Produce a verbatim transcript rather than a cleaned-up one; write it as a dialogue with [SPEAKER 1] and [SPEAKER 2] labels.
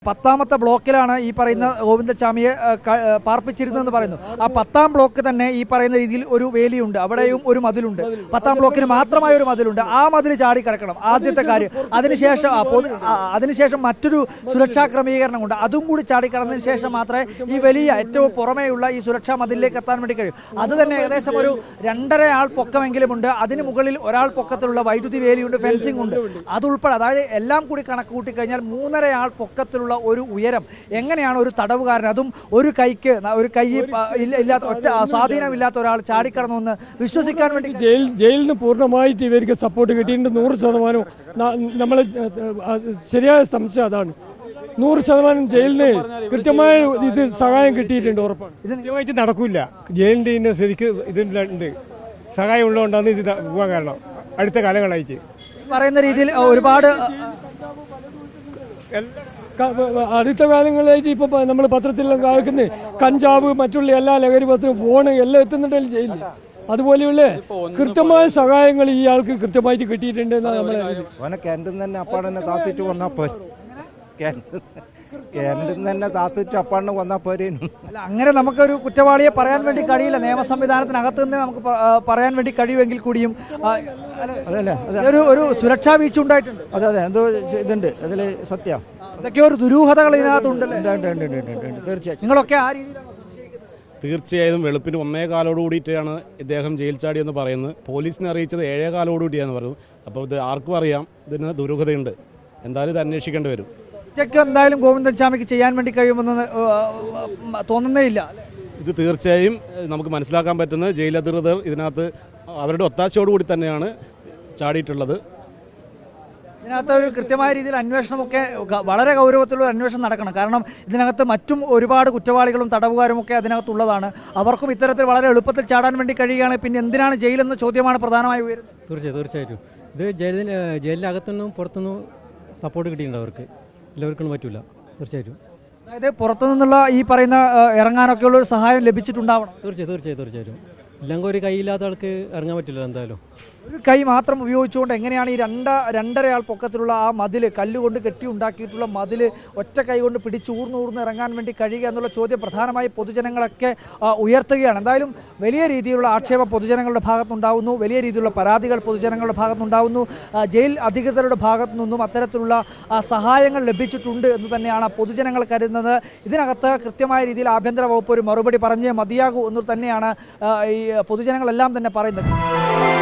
[SPEAKER 1] പത്താമത്തെ ബ്ലോക്കിലാണ് ഈ പറയുന്ന ഗോവിന്ദച്ചാമിയെ പാർപ്പിച്ചിരുന്നതെന്ന് പറയുന്നു. ആ പത്താം ബ്ലോക്ക് തന്നെ ഈ പറയുന്ന രീതിയിൽ ഒരു വേലിയുണ്ട്, അവിടെയും ഒരു മതിലുണ്ട്. പത്താം ബ്ലോക്കിന് മാത്രമായ ഒരു മതിലുണ്ട്. ആ മതിൽ ചാടിക്കിടക്കണം ആദ്യത്തെ കാര്യം. അതിനുശേഷം അതിനുശേഷം മറ്റൊരു സുരക്ഷാ ക്രമീകരണമുണ്ട്, അതും കൂടി ചാടിക്കടന്നതിന് ശേഷം മാത്രമേ ഈ വലിയ ഏറ്റവും പുറമേയുള്ള ഈ സുരക്ഷാ മതിലിലേക്ക് എത്താൻ വേണ്ടി കഴിയും. അത് തന്നെ ഏകദേശം ഒരു രണ്ടര ആൾ പൊക്കമെങ്കിലും ഉണ്ട്. അതിന് മുകളിൽ ഒരാൾ പൊക്കത്തിലുള്ള വൈദ്യുതി വേലിയുണ്ട്, ഫെൻസിംഗ് ഉണ്ട്. അതുൾപ്പെടെ അതായത് എല്ലാം കൂടി കണക്ക് കൂട്ടിക്കഴിഞ്ഞാൽ മൂന്നര ആൾ പൊക്കത്തിലുള്ള ഒരു ഉയരം. എങ്ങനെയാണ് ഒരു തടവുകാരൻ, അതും ഒരു കൈക്ക് ഒരു കൈ ഇല്ലാത്ത ഒറ്റ സ്വാധീനമില്ലാത്ത ഒരാൾ ചാടിക്കടന്നു എന്ന് വിശ്വസിക്കാൻ വേണ്ടി?
[SPEAKER 2] ജയിൽ ജയിലിൽ നിന്ന് പൂർണ്ണമായിട്ട് ഇവർക്ക് സപ്പോർട്ട് കിട്ടിയിട്ടുണ്ട്. നൂറ് ശതമാനവും നമ്മൾ ശരിയായ സംശയം അതാണ്. നൂറ് ശതമാനം ജയിലിന് കൃത്യമായ ഇത് സഹായം കിട്ടിയിട്ടുണ്ട്, ഉറപ്പാണ്. ഇത് കൃത്യമായിട്ട് നടക്കില്ല. ജയിലിൻ്റെ ഇതിന് ശരിക്ക് ഇതിലുണ്ട്, സഹായം ഉള്ളതുകൊണ്ടാണ് ഇത് പോകാൻ കാരണം. അടുത്ത കാലങ്ങളായിട്ട്
[SPEAKER 1] പറയുന്ന രീതിയിൽ ഒരുപാട്
[SPEAKER 2] അടുത്ത കാലങ്ങളിലായിട്ട് ഇപ്പൊ നമ്മൾ പത്രത്തിലെല്ലാം കാണിക്കുന്നത് കഞ്ചാവ്, മറ്റുള്ള എല്ലാ ലഹരി പത്രവും, ഫോണ് എല്ലാം എത്തുന്നുണ്ടല്ലോ ജയിലിൽ. അതുപോലെയുള്ള കൃത്യമായ സഹായങ്ങൾ ഈ ആൾക്ക് കൃത്യമായിട്ട് കിട്ടിയിട്ടുണ്ട്.
[SPEAKER 3] തന്നെ അപ്പാടനെ താത്തിട്ട് വന്നാൽ പോയി തന്നെ താത്തിട്ട് അപ്പാടിനെ വന്നാൽ പോരേനു.
[SPEAKER 1] അല്ല, അങ്ങനെ നമുക്കൊരു കുറ്റവാളിയെ പറയാൻ വേണ്ടി കഴിയില്ല. നിയമ സംവിധാനത്തിനകത്ത് നിന്ന് നമുക്ക് പറയാൻ വേണ്ടി കഴിയുമെങ്കിൽ കൂടിയും
[SPEAKER 3] അതല്ലേ
[SPEAKER 1] ഒരു ഒരു സുരക്ഷാ വീഴ്ച ഉണ്ടായിട്ടുണ്ട്.
[SPEAKER 3] അതെ അതെ എന്തോ ഇതുണ്ട് അതിൽ സത്യം.
[SPEAKER 1] ഇതൊക്കെ ഒരു ദുരൂഹതകൾ ഇതിനകത്തുണ്ടല്ലേ?
[SPEAKER 3] തീർച്ചയായും.
[SPEAKER 1] നിങ്ങളൊക്കെ ആ രീതിയിലാണ്?
[SPEAKER 4] തീർച്ചയായും വെളുപ്പിന് ഒന്നേ കാലോട് കൂടിയിട്ടാണ് ഇദ്ദേഹം ജയിൽ ചാടിയെന്ന് പറയുന്നത്. പോലീസിനെ അറിയിച്ചത് ഏഴേ കാലോട് കൂടിയാന്ന് പറഞ്ഞു. അപ്പോൾ ഇത് ആർക്കും അറിയാം, ഇതിന് ദുരൂഹതയുണ്ട്. എന്തായാലും ഇത് അന്വേഷിക്കേണ്ടി വരും.
[SPEAKER 1] ഒറ്റയ്ക്ക് എന്തായാലും ഗോവിന്ദച്ചാമിക്ക് ചെയ്യാൻ വേണ്ടി കഴിയുമെന്ന് തോന്നുന്നേ ഇല്ല.
[SPEAKER 4] ഇത് തീർച്ചയായും നമുക്ക് മനസ്സിലാക്കാൻ പറ്റുന്നത് ജയിൽ അധികൃതർ ഇതിനകത്ത് അവരുടെ ഒത്താശയോടുകൂടി തന്നെയാണ് ചാടിയിട്ടുള്ളത്.
[SPEAKER 1] ഇതിനകത്ത് ഒരു കൃത്യമായ രീതിയിൽ അന്വേഷണമൊക്കെ വളരെ ഗൗരവത്തിലുള്ള അന്വേഷണം നടക്കണം. കാരണം ഇതിനകത്ത് മറ്റും ഒരുപാട് കുറ്റവാളികളും തടവുകാരും ഒക്കെ അതിനകത്തുള്ളതാണ്. അവർക്കും ഇത്തരത്തിൽ വളരെ എളുപ്പത്തിൽ ചാടാൻ വേണ്ടി കഴിയുകയാണ്. പിന്നെ എന്തിനാണ് ജയിലെന്ന ചോദ്യമാണ് പ്രധാനമായി ഉയരുന്നത്.
[SPEAKER 5] തീർച്ചയായും തീർച്ചയായിട്ടും ഇത് ജയിലിന് ജയിലിനകത്തുനിന്നും പുറത്തുനിന്നും സപ്പോർട്ട് കിട്ടിയിട്ടുണ്ട് അവർക്ക്. എല്ലാവർക്കും പറ്റില്ല. തീർച്ചയായിട്ടും
[SPEAKER 1] അതായത് പുറത്തു നിന്നുള്ള ഈ പറയുന്ന ഇറങ്ങാനൊക്കെയുള്ള ഒരു സഹായം ലഭിച്ചിട്ടുണ്ടാവണം.
[SPEAKER 5] തീർച്ചയായും തീർച്ചയായും തീർച്ചയായിട്ടും ഇല്ലെങ്കിൽ ഒരു കൈയില്ലാത്ത ആൾക്ക് ഇറങ്ങാൻ പറ്റില്ല. എന്തായാലും
[SPEAKER 1] ഒരു കൈ മാത്രം ഉപയോഗിച്ചുകൊണ്ട് എങ്ങനെയാണ് ഈ രണ്ട രണ്ടര ആൾ പൊക്കത്തിലുള്ള ആ മതിൽ, കല്ലുകൊണ്ട് കെട്ടി ഉണ്ടാക്കിയിട്ടുള്ള മതിൽ ഒറ്റ കൈ കൊണ്ട് പിടിച്ചൂർന്നൂർന്ന് ഇറങ്ങാൻ വേണ്ടി കഴിയുക എന്നുള്ള ചോദ്യം പ്രധാനമായി പൊതുജനങ്ങളൊക്കെ ഉയർത്തുകയാണ്. എന്തായാലും വലിയ രീതിയിലുള്ള ആക്ഷേപം പൊതുജനങ്ങളുടെ ഭാഗത്തുനിന്നുണ്ടാവുന്നു, വലിയ രീതിയിലുള്ള പരാതികൾ പൊതുജനങ്ങളുടെ ഭാഗത്തുനിന്നുണ്ടാവുന്നു. ജയിൽ അധികൃതരുടെ ഭാഗത്തു നിന്നും അത്തരത്തിലുള്ള സഹായങ്ങൾ ലഭിച്ചിട്ടുണ്ട് എന്ന് തന്നെയാണ് പൊതുജനങ്ങൾ കരുതുന്നത്. ഇതിനകത്ത് കൃത്യമായ രീതിയിൽ ആഭ്യന്തര വകുപ്പ് ഒരു മറുപടി പറഞ്ഞേ മതിയാകൂ എന്ന് തന്നെയാണ് ഈ പൊതുജനങ്ങളെല്ലാം തന്നെ പറയുന്നത്.